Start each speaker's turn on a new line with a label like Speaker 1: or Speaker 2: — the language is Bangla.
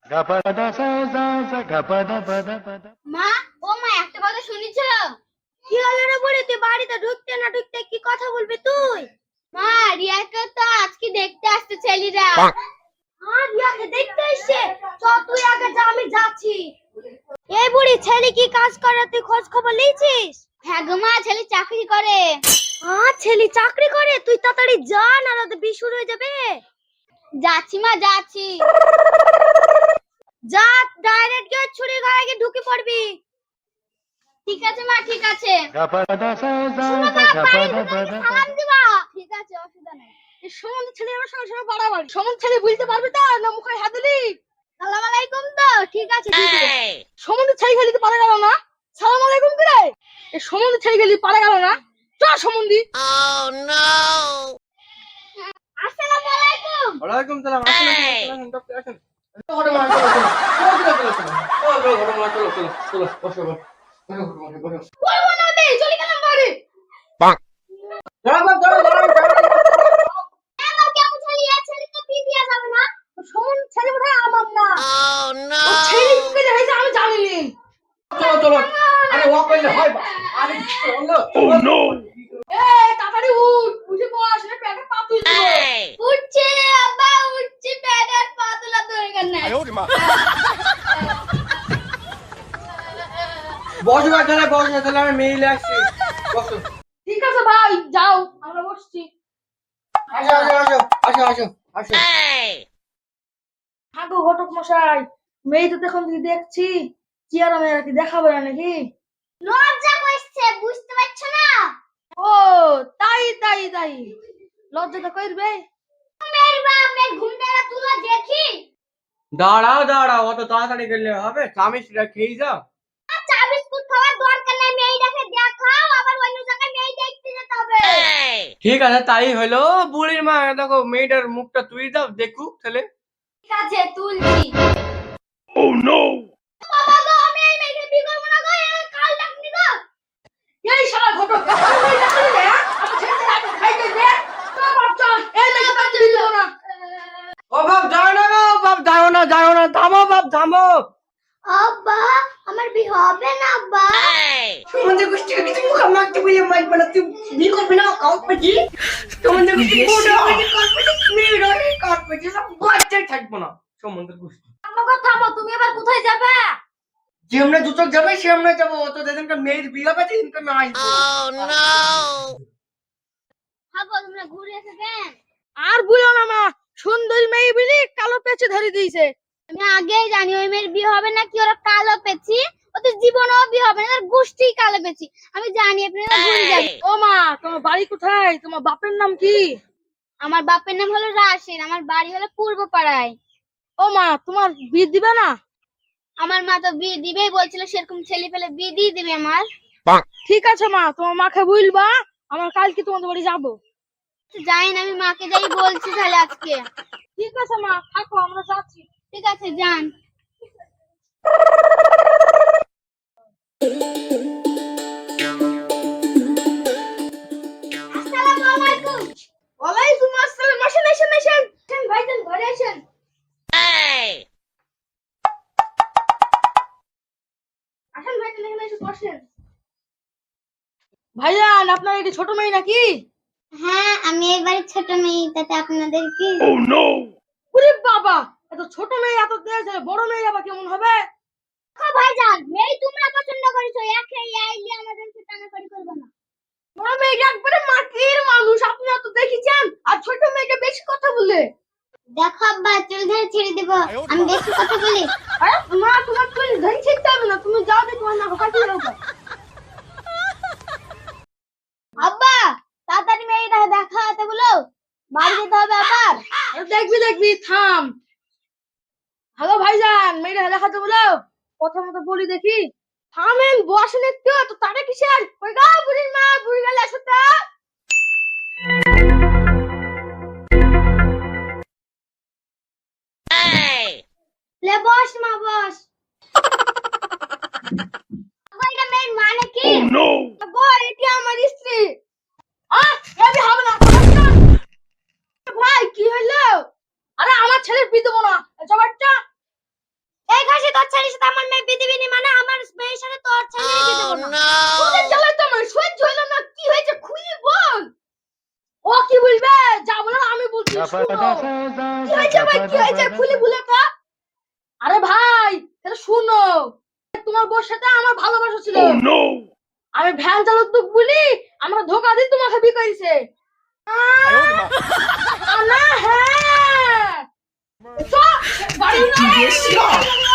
Speaker 1: মা, ও মা, একটা কথা শুনেছ? কি হলো রে বুড়ি, তুই বাড়িতে ঢুকতে না ঢুকতে কি কথা বলবি তুই? মা, রিয়াকে তো আজকে দেখতে আসছে ছেলেরা। হ্যাঁ, রিয়াকে দেখতে এসছে। চল তুই আগে যা, আমি যাচ্ছি। এই বুড়ি, ছেলে কি কাজ করে তুই খোঁজ খবর নিয়েছিস? হ্যাঁ গো মা, ছেলে চাকরি করে। হ্যাঁ, ছেলে চাকরি করে, তুই তাড়াতাড়ি যা, না রাতে বিয়ে শুরু হয়ে যাবে। যাচ্ছি মা, যাচ্ছি। যা, ডাইরেক্ট গিয়ে ছুরি ঘরে গিয়ে ঢুকে পড়বি। ঠিক আছে মা, ঠিক আছে। শোনো মা, বাড়ি ঢুকে সালাম দিবা। ঠিক আছে, অসুবিধা নেই। এই সমন্ধ ছেলে আমার সঙ্গে সঙ্গে বাড়াবাড়ি। সমন্ধ ছেলে বুঝতে পারবি তো না, মুখে হাত দিলি। সালাম আলাইকুম। তো ঠিক আছে, ঠিক আছে। সমন্ধ ছেলে গেলি তো পারা গেল না। সালাম আলাইকুম করে এই সমন্ধ ছেলে গেলি পারা গেল না। চ সমন্ধি। আসসালামু আলাইকুম।
Speaker 2: ওয়ালাইকুম সালাম। আসেন আসেন ডক্টর আসেন। ঘটনা চলো চলো চলো চলো চলো বসো বসো বসো।
Speaker 1: বলবো না বে, চলে গেলাম বাড়ি।
Speaker 2: দাঁড়াও দাঁড়াও দাঁড়াও।
Speaker 1: আমার কেমন ছেলে, এই ছেলে তো বিয়ে দেয়া যাবে না। সমন্ধ ছেলে বোধহয় আমার না। ও ছেলে কি করে হয়েছে আমি জানি না।
Speaker 2: চলো চলো। আরে ওয়াক করলে হয় বা। আরে চলো। Oh no.
Speaker 1: এই তাড়াতাড়ি উঠ, উঠে বস, না পেটে পা তুলবো। উঠছে আব্বা, উঠছে, পেটের পা তোলা দরকার নাই।
Speaker 2: বসো তাহলে তাহলে আমি মেইলে আসছি। বসো।
Speaker 1: ঠিক আছে ভাই, যাও, আমরা বসছি।
Speaker 2: আসো আসো আসো আসো আসো আসো।
Speaker 1: হাগো ঘটক মশাই, মেয়ে তো এখন যদি দেখছি চেয়ারা মেয়েরা কি দেখাবে না নাকি? লজ্জা করছে, বুঝতে পারছো না? ও তাই তাই তাই, লজ্জা তো করবে। মেয়ের বাপ, মেয়ের ঘুমটারা তুলা দেখি।
Speaker 2: দাঁড়াও দাঁড়াও, অত তাড়াতাড়ি গেলে হবে? চামিচটা খেয়ে যাও।
Speaker 1: চা বিস্কুট খাওয়ার দরকার নাই, মেয়েটাকে দেখাও, আবার অন্য জায়গায় মেয়ে দেখতে যেতে হবে।
Speaker 2: ঠিক আছে তাই হলো। বুড়ির মা দেখো মেয়েটার মুখটা তুই দাও দেখুক তাহলে।
Speaker 1: ঠিক আছে, তুলছি। বাবা গো, আমি এই মেয়েকে বিয়ে করবো না গো, এই কাল ডাকনি গো। এই শালা ঘটক, এই ডাকনি রে, আমার ছেলে আগে খাইতে দে। তো বাচ্চা, এই মেয়েকে বাচ্চা দিতে না।
Speaker 2: ও বাপ যাও না গো, বাপ যাও না, থামো বাপ থামো।
Speaker 1: আব্বা, আমার বিয়ে হবে না আব্বা।
Speaker 2: তোমাদের গোষ্ঠীকে কিছু মুখ মারতে বলে মারবে না, তুই বিয়ে করবি না কাউকে পেছি। তোমাদের গোষ্ঠী কোনো করবে না, মেয়ে রয়ে কাট পেছি, সব বাচ্চাই থাকবো না সম্বন্ধের গোষ্ঠী।
Speaker 1: আমাকে থামো, তুমি এবার কোথায় যাবে?
Speaker 2: যে আমরা দুটো যাবে সে আমরা যাবো, তো যেদিনকে মেয়ের বিয়ে হবে সেদিনকে আমি আসবো।
Speaker 1: হাগো, তোমরা ঘুরে এসে কেন? আর বলো না মা, সুন্দরী মেয়ে বলি কালো পেঁচে ধরে দিয়েছে। আমি আগেই জানি ওই মেয়ের বিয়ে হবে না, কি ওরা কালো পেঁচি, ওদের জীবনেও বিয়ে হবে না, ওদের গোষ্ঠী কালো পেঁচি। আমি জানি আপনারা ঘুরে যাবেন। ও মা, তোমার বাড়ি কোথায়? তোমার বাপের নাম কি? আমার বাপের নাম হলো রাশিদ, আমার বাড়ি হলো পূর্ব পাড়ায়। ও মা, তোমার বিয়ে দিবে না? আমার মা তো বিয়ে দিবেই বলছিল, সেরকম ছেলে পেলে বিয়ে দিয়ে দিবে আমার। ঠিক আছে মা, তোমার মাকে বলবা আমার কালকে তোমাদের বাড়ি যাবো। যাই না, আমি মাকে যাই বলছি তাহলে আজকে। ঠিক আছে মা, থাকো, আমরা যাচ্ছি। ঠিক আছে, যান। আসসালামু আলাইকুম। ওয়ালাইকুম আসসালাম। আসেন আসেন আসেন, ভাইজান ঘরে আসেন। আসেন ভাইজান, এখানে এসে বসেন। ভাইজান, আপনার এটি ছোট মেয়ে নাকি? হ্যাঁ, আমি এই বাড়ির ছোট মেয়ে, তাতে আপনাদের কি? ওরে বাবা, এত ছোট মেয়ে এত দেশ বড় মেয়ে আবার কেমন হবে? ভাইজান, মেয়ে তোমরা পছন্দ করেছো, একে আইলে আমাদেরকে টানাটানি করবে না। বড় মেয়ে একবারে মাটির মানুষ, আপনি তো দেখেছেন, আর ছোট মেয়েকে বেশি কথা বলে। দেখো আব্বা, চুল ধরে ছেড়ে দেব, আমি বেশি কথা বলি। আরে মা, তোমার চুল ধরে ছিঁড়তে হবে না, তুমি যাও, দেখো তোমার না কাটি দাও। আব্বা, তাড়াতাড়ি মেয়েটা দেখা হতে বলো, বাড়ি যেতে হবে আবার। দেখবি দেখবি, থাম। হ্যালো ভাইজান, মেয়েটা দেখাতে বলো, প্রথমত বলি দেখি। থামেন, বসেন একটু, তো তারে কিসের? কই গো বুড়ির মা, বুড়ি গেলে আসো তো। লে বস মা, বস। কইটা মেয়ের মানে কি? ও নো, গো এটি আমার স্ত্রী। এবি হবে না। ভাই কি হইলো? আরে আমার ছেলের বিয়ে দেবো না, জবাবটা। তোদের জ্বালায় তো আমার সহ্য হইলো না, কি হয়েছে খুলি বল। ও কি বলবে, যা বলার আমি বলছি শুনো। কি হয়েছে ভাই, কি হয়েছে খুলি বলে তো। আরে ভাই তাহলে শুনো, তোমার বউর সাথে আমার ভালোবাসা ছিল। আমি ভ্যান চালক তো বলি আমরা ধোকা দিয়ে তোমাকে বিয়ে করেছে। না হ্যাঁ, তো বাড়ি না